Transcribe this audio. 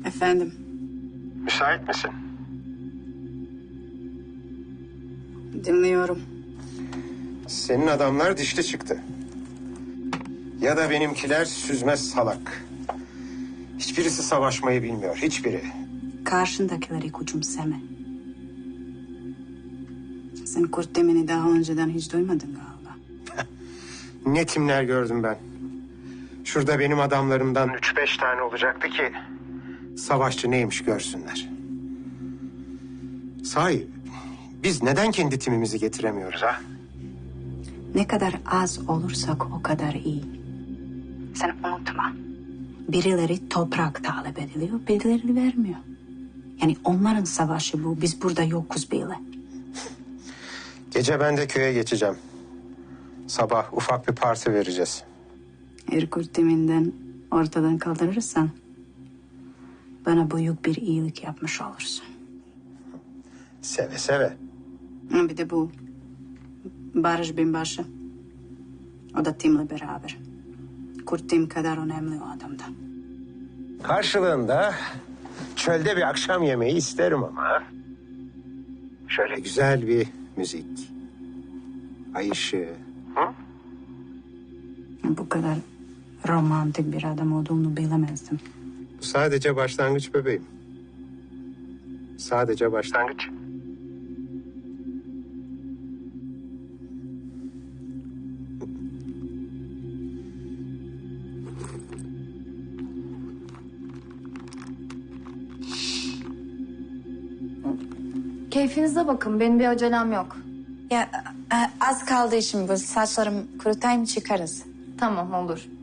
Efendim? Müsait misin? Dinliyorum. Senin adamlar dişli çıktı. Ya da benimkiler süzmez salak. Hiçbirisi savaşmayı bilmiyor, hiçbiri. Karşındakileri küçümseme. Sen Kurt Demir'i daha önceden hiç duymadın galiba. Ne timler gördüm ben. Şurada benim adamlarımdan 3-5 tane olacaktı ki savaşçı neymiş görsünler. Sahi biz neden kendi timimizi getiremiyoruz ha? Ne kadar az olursak o kadar iyi. Sen unutma. Birileri toprak talep ediliyor, birileri vermiyor. Yani onların savaşı bu. Biz burada yokuz bile. Gece ben de köye geçeceğim. Sabah ufak bir parti vereceğiz. Eğer Kurt Demir'den ortadan kaldırırsan bana büyük bir iyilik yapmış olursun. Seve seve. Bir de bu Barış Binbaşı. O da Tim'le beraber. Kurt Tim kadar önemli o adamda. Karşılığında çölde bir akşam yemeği isterim ama. Şöyle güzel bir müzik. Ay ışığı. Hı? Bu kadar romantik bir adam olduğunu bilemezdim. Bu sadece başlangıç bebeğim. Sadece başlangıç. Keyfinize bakın. Benim bir acelem yok. Ya az kaldı işim bu. Saçlarım kurutayım çıkarız. Tamam olur.